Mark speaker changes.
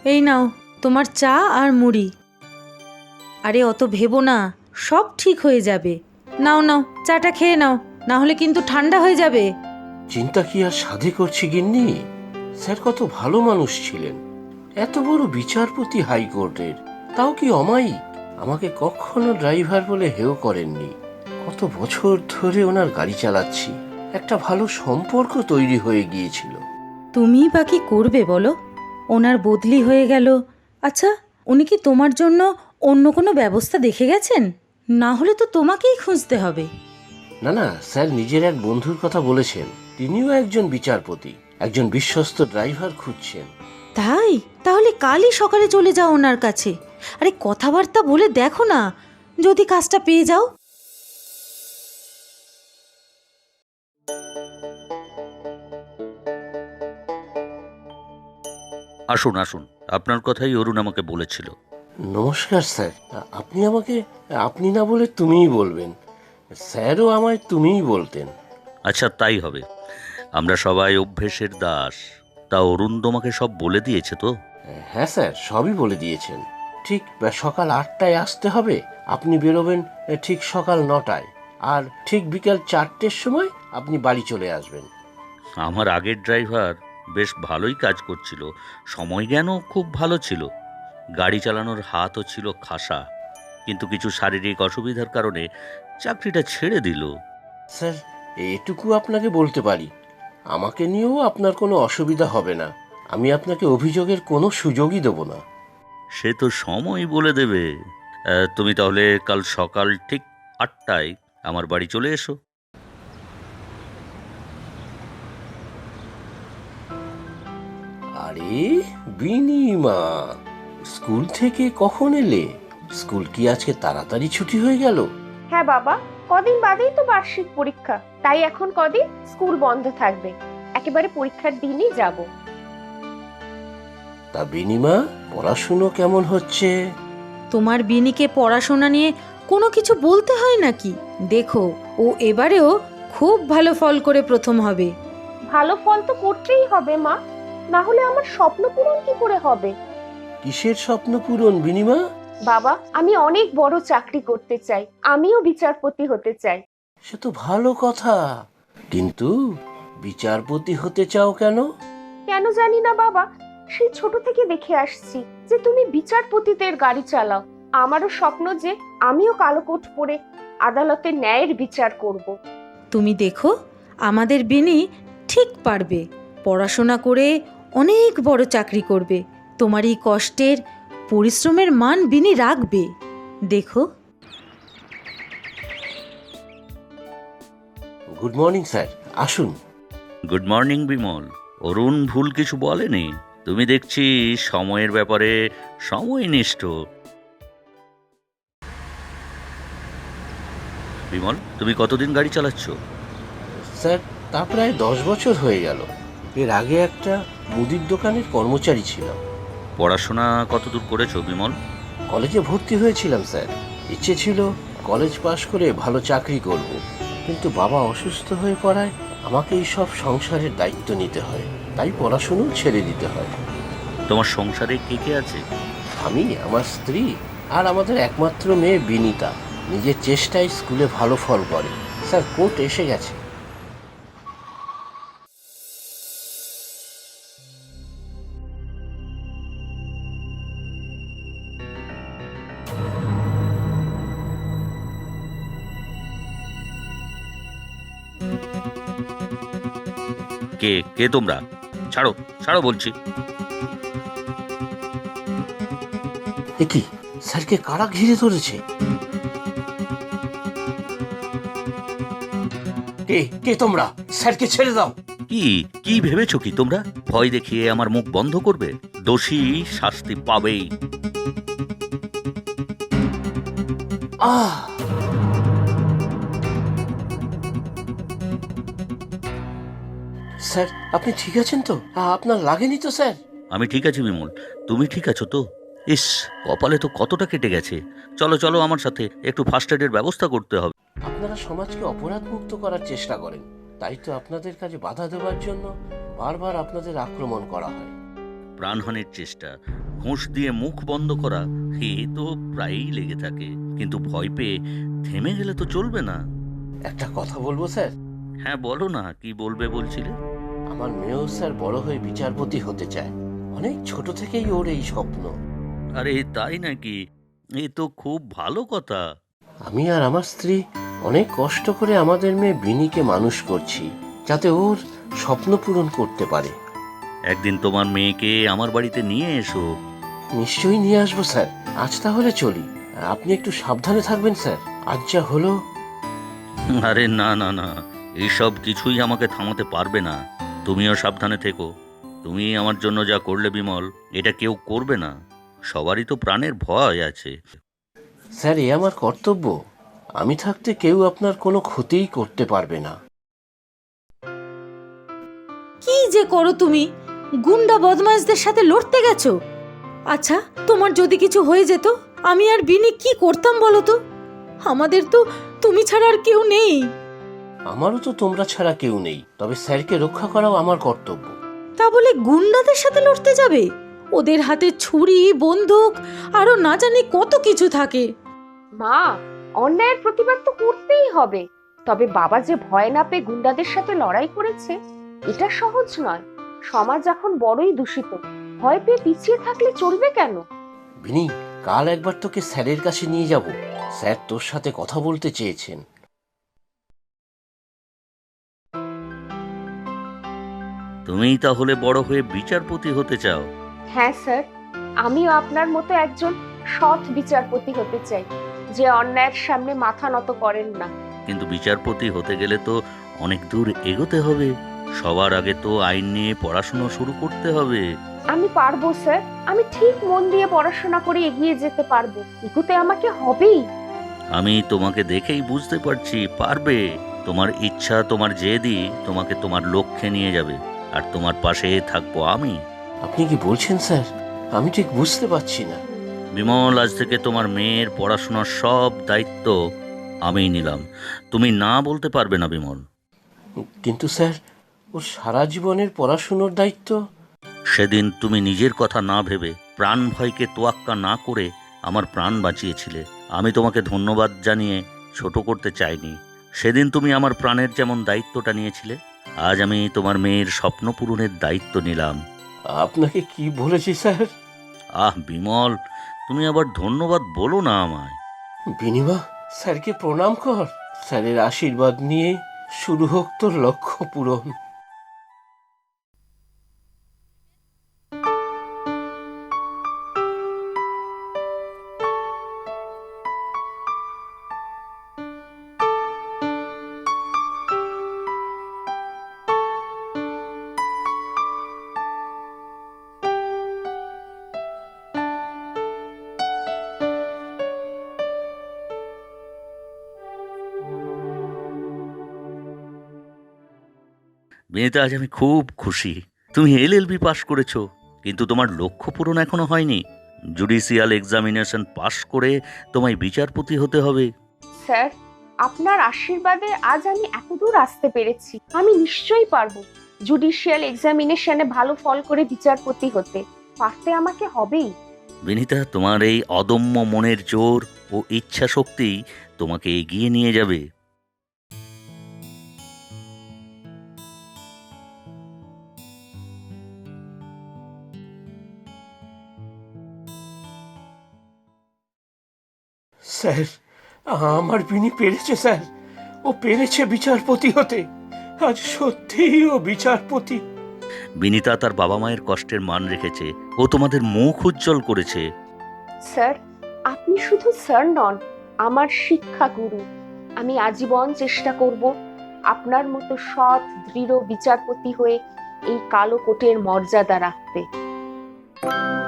Speaker 1: এই নাও তোমার চা আর মুড়ি। আরে অত ভেবো না, সব ঠিক হয়ে যাবে। নাও নাও, চাটা খেয়ে নাও, না হলে কিন্তু ঠান্ডা হয়ে যাবে।
Speaker 2: চিন্তা কি আর সাধে করছি গিন্নি? স্যার কত ভালো মানুষ ছিলেন, এত বড় বিচারপতি হাইকোর্টের, তাও কি অমায়িক। আমাকে কখনো ড্রাইভার বলে হেয় করেননি। কত বছর ধরে ওনার গাড়ি চালাচ্ছি, একটা ভালো সম্পর্ক তৈরি হয়ে গিয়েছিল।
Speaker 1: তুমিই বা কি করবে বলো? ওনার বদলি হয়ে গেল। আচ্ছা, উনি কি তোমার জন্য অন্য কোনো ব্যবস্থা দেখে গেছেন? না হলে তো তোমাকেই খুঁজতে হবে।
Speaker 2: না না, স্যার নিজের এক বন্ধুর কথা বলেছেন, তিনিও একজন বিচারপতি, একজন বিশ্বস্ত ড্রাইভার খুঁজছেন।
Speaker 1: তাই? তাহলে কালই সকালে চলে যাও ওনার কাছে। আরে কথাবার্তা বলে দেখো না, যদি কাজটা পেয়ে যাও।
Speaker 3: আসুন আসুন, আপনার কথাই অরুণ আমাকে বলেছিল।
Speaker 2: নমস্কার স্যার, আপনি আমাকে আপনি না বলে তুমিই বলবেন। স্যারও আমায় তুমিই বলতেন।
Speaker 3: আচ্ছা, তাই হবে। আমরা সবাই অভ্যেসের দাস। তা অরুণ তোমাকে সব বলে দিয়েছে তো?
Speaker 2: হ্যাঁ স্যার, সবই বলে দিয়েছেন। ঠিক সকাল 8টায় আসতে হবে, আপনি বেরোবেন ঠিক সকাল 9টায়, আর ঠিক বিকাল 4টের সময় আপনি বাড়ি চলে আসবেন।
Speaker 3: আমার আগের ড্রাইভার বেশ ভালোই কাজ করছিল, সময় জ্ঞানও খুব ভালো ছিল, গাড়ি চালানোর হাতও ছিল খাসা, কিন্তু কিছু শারীরিক অসুবিধার কারণে চাকরিটা ছেড়ে দিল।
Speaker 2: স্যার, এটুকু আপনাকে বলতে পারি, আমাকে নিয়েও আপনার কোনো অসুবিধা হবে না। আমি আপনাকে অভিযোগের কোনো সুযোগই দেব না।
Speaker 3: সে তো সময় বলে দেবে। তুমি তাহলে কাল সকাল ঠিক 8টায় আমার বাড়ি চলে এসো।
Speaker 2: আরে বিনিমা, স্কুল থেকে কখন এলে? স্কুল কি আজকে তাড়াতাড়ি ছুটি হয়ে গেল?
Speaker 4: হ্যাঁ বাবা, কদিন বাদেই তো বার্ষিক পরীক্ষা, তাই এখন কদিন স্কুল বন্ধ থাকবে। একেবারে পরীক্ষার দিনই যাব।
Speaker 2: তা বিনিমা, পড়াশুনো কেমন হচ্ছে?
Speaker 1: তোমার বিনিকে পড়াশোনা নিয়ে কোনো কিছু বলতে হয় নাকি? দেখো, ও এবারেও খুব ভালো ফল করে প্রথম হবে।
Speaker 4: ভালো ফল তো করতেই হবে মা, না হলে আমার স্বপ্ন পূরণ কি করে হবে?
Speaker 2: কিসের স্বপ্ন পূরণ বিনিমা?
Speaker 4: বাবা, আমি অনেক বড় চাকরি করতে চাই, আমিও বিচারপতি হতে চাই।
Speaker 2: সে তো ভালো কথা, কিন্তু বিচারপতি হতে চাও কেন?
Speaker 4: কেন জানি না বাবা, সেই ছোট থেকে দেখে আসছি যে তুমি বিচারপতিদের গাড়ি চালাও। আমারও স্বপ্ন যে আমিও কালো কোট পরে আদালতে ন্যায়ের বিচার করব।
Speaker 1: তুমি দেখো, আমাদের বিনি ঠিক পারবে। পড়াশোনা করে অনেক বড় চাকরি করবে। তোমার এই কষ্টের, পরিশ্রমের মান বিনি রাখবে। দেখো।
Speaker 2: গুড মর্নিং স্যার, আসুন।
Speaker 3: Good morning Bimal. অরুণ ভুল কিছু বলেনি। তুমি দেখছি সময়ের ব্যাপারে সময়নিষ্ঠ। বিমল, তুমি কতদিন গাড়ি চালাচ্ছ?
Speaker 2: স্যার, তা প্রায় 10 বছর হয়ে গেল। এর আগে একটা মুদির দোকানের কর্মচারী ছিলাম।
Speaker 3: পড়াশোনা কতদূর করেছো বিমল?
Speaker 2: কলেজে ভর্তি হয়েছিলাম স্যার, ইচ্ছে ছিল কলেজ পাশ করে ভালো চাকরি করব, কিন্তু বাবা অসুস্থ হয়ে পড়ায় আমাকে এই সব সংসারের দায়িত্ব নিতে হয়, তাই পড়াশুনো ছেড়ে দিতে হয়।
Speaker 3: তোমার সংসারে কে কে আছে?
Speaker 2: আমি, আমার স্ত্রী আর আমাদের একমাত্র মেয়ে বিনিতা। নিজের চেষ্টায় স্কুলে ভালো ফল করে। স্যার, কোর্ট এসে গেছে।
Speaker 3: কে কে তোমরা? ছাড়ো, ছাড়ো বলছি।
Speaker 2: এ কি, স্যারকে কারা ঘিরে ধরেছে? কে কে তোমরা? স্যারকে ছেড়ে দাও।
Speaker 3: কি কি ভেবেছো কি তোমরা? ভয় দেখিয়ে আমার মুখ বন্ধ করবে? দোষী শাস্তি পাবেই।
Speaker 2: আহ! স্যার, আপনি ঠিক আছেন তো? আপনার লাগেনি তো স্যার?
Speaker 3: আমি ঠিক আছি বিমল, তুমি ঠিক আছো তো? ইস, কপালে তো কতটা কেটে গেছে। চলো চলো আমার সাথে, একটু ফার্স্ট এডের ব্যবস্থা করতে হবে।
Speaker 2: আপনারা সমাজকে অপরাধ মুক্ত করার চেষ্টা করেন, তাই তো আপনাদের কাজে বাধা দেওয়ার জন্য বারবার আপনাদের আক্রমণ করা হয়।
Speaker 3: প্রাণহানির চেষ্টা, ঘুষ দিয়ে মুখ বন্ধ করা, এ তো প্রায়ই লেগে থাকে। কিন্তু ভয় পেয়ে থেমে গেলে তো চলবে না।
Speaker 2: একটা কথা বলবো স্যার?
Speaker 3: হ্যাঁ, বলো না, কি বলবে বলছিলে?
Speaker 2: আমার মেয়েও স্যার বড় হয়ে বিচারপতি হতে চায়। অনেক ছোট থেকেই ওর এই স্বপ্ন।
Speaker 3: আরে তাই নাকি? এ তো খুব ভালো কথা।
Speaker 2: আমি আর আমার স্ত্রী অনেক কষ্ট করে আমাদের মেয়ে বিনিকে মানুষ করছি, যাতে ওর স্বপ্ন পূরণ করতে পারে।
Speaker 3: একদিন তোমার মেয়েকে আমার বাড়িতে নিয়ে এসো।
Speaker 2: নিশ্চয়ই নিয়ে আসবো স্যার। আজ তাহলে চলি। আর আপনি একটু সাবধানে থাকবেন স্যার। আজ যা হলো।
Speaker 3: আরে না না না, এইসব কিছুই আমাকে থামাতে পারবে না। তুমিও সাবধানে থেকো। তুমি আমার জন্য যা করলে বিমল, এটা কেউ করবে না। সবারই তো প্রাণের ভয় আছে।
Speaker 2: স্যার, এ আমার কর্তব্য। আমি থাকতে কেউ আপনার কোনো ক্ষতিই করতে পারবে না।
Speaker 1: কি যে করো তুমি? গুন্ডা বদমাশদের সাথে লড়তে গেছো? আচ্ছা, তোমার যদি কিছু হয়ে যেত, আমি আর বিনি কি করতাম বলো তো? আমাদের তো তুমি ছাড়া আর কেউ নেই।
Speaker 2: আমারও তো তোমরা ছাড়া কেউ নেই, তবে স্যারকে রক্ষা করাও আমার কর্তব্য।
Speaker 1: তা বলে গুন্ডাদের সাথে লড়তে যাবে? ওদের হাতে ছুরি, বন্দুক, আরো না জানি কত কিছু থাকে।
Speaker 4: মা, অন্যায়ের প্রতিবাদ তো করতেই হবে। তবে বাবা যে ভয় না পেয়ে গুন্ডাদের সাথে লড়াই করেছে, এটা সহজ নয়। সমাজ এখন বড়ই দূষিত। ভয় পেয়ে পিছিয়ে থাকলে চলবে কেন?
Speaker 2: বিনি, কাল একবার তোকে স্যারের কাছে নিয়ে যাব। স্যার তোর সাথে কথা বলতে চেয়েছেন।
Speaker 3: তুমিই তাহলে বড় হয়ে বিচারপতি হতে চাও?
Speaker 4: হ্যাঁ স্যার, আমিও আপনার মতো একজন সৎ বিচারপতি হতে চাই, যে অন্যায়ের সামনে মাথা নত করেন না।
Speaker 3: কিন্তু বিচারপতি হতে গেলে তো অনেক দূর এগোতে হবে। সবার আগে তো আইন নিয়ে পড়াশোনা শুরু করতে হবে।
Speaker 4: আমি পারবো স্যার। আমি ঠিক মন দিয়ে পড়াশোনা করে এগিয়ে যেতে পারবো। এগোতে আমাকে হবেই।
Speaker 3: আমি তোমাকে দেখেই বুঝতে পারছি পারবে। তোমার ইচ্ছা, তোমার জেদই তোমাকে তোমার লক্ষ্যে নিয়ে যাবে। আর তোমার পাশে থাকবো আমি।
Speaker 2: আপনি কি বলছেন স্যার? আমি ঠিক বুঝতে পারছি না।
Speaker 3: বিমল, আজ থেকে তোমার মেয়ের পড়াশোনার সব দায়িত্ব আমিই নিলাম। তুমি না বলতে পারবে না বিমল।
Speaker 2: কিন্তু স্যার, ওর সারা জীবনের পড়াশুনোর দায়িত্ব।
Speaker 3: সেদিন তুমি নিজের কথা না ভেবে, প্রাণ ভয়কে তোয়াক্কা না করে আমার প্রাণ বাঁচিয়েছিলে। আমি তোমাকে ধন্যবাদ জানিয়ে ছোট করতে চাইনি। সেদিন তুমি আমার প্রাণের যেমন দায়িত্বটা নিয়েছিলে, আজ আমি তোমার মেয়ের স্বপ্ন পূরণের দায়িত্ব নিলাম।
Speaker 2: আপনাকে কি বলেছি স্যার?
Speaker 3: আহ বিমল, তুমি আবার ধন্যবাদ বলো না আমায়।
Speaker 2: বিনিমা, স্যারকে প্রণাম কর। স্যারের আশীর্বাদ নিয়ে শুরু হোক তোর লক্ষ্য পূরণ।
Speaker 3: বিনীতা, আজ আমি খুব খুশি। তুমি এলএলবি পাশ করেছো, কিন্তু তোমার লক্ষ্য পূরণ এখনো হয়নি। জুডিশিয়াল এক্সামিনেশন পাশ করে তোমায় বিচারপতি হতে হবে।
Speaker 4: স্যার, আপনার আশীর্বাদে আজ আমি এতদূর আসতে পেরেছি। আমি নিশ্চয়ই পারবো জুডিশিয়াল এক্সামিনেশনে ভালো ফল করে বিচারপতি হতে। পারতে আমাকে হবেই।
Speaker 3: বিনীতা, তোমার এই অদম্য মনের জোর ও ইচ্ছা শক্তি তোমাকে এগিয়ে নিয়ে যাবে।
Speaker 2: স্যার, আমার বিনি পেরেছে স্যার। ও পেরেছে বিচারপতি হতে। আজ সত্যিই ও বিচারপতি।
Speaker 3: বিনীতা তার বাবা মায়ের কষ্টের মান রেখেছে। ও তোমাদের মুখ উজ্জ্বল করেছে।
Speaker 4: স্যার, আপনি শুধু স্যার নন, আমার শিক্ষা গুরু। আমি আজীবন চেষ্টা করব আপনার মতো সৎ, দৃঢ় বিচারপতি হয়ে এই কালো কোটের মর্যাদা রাখতে।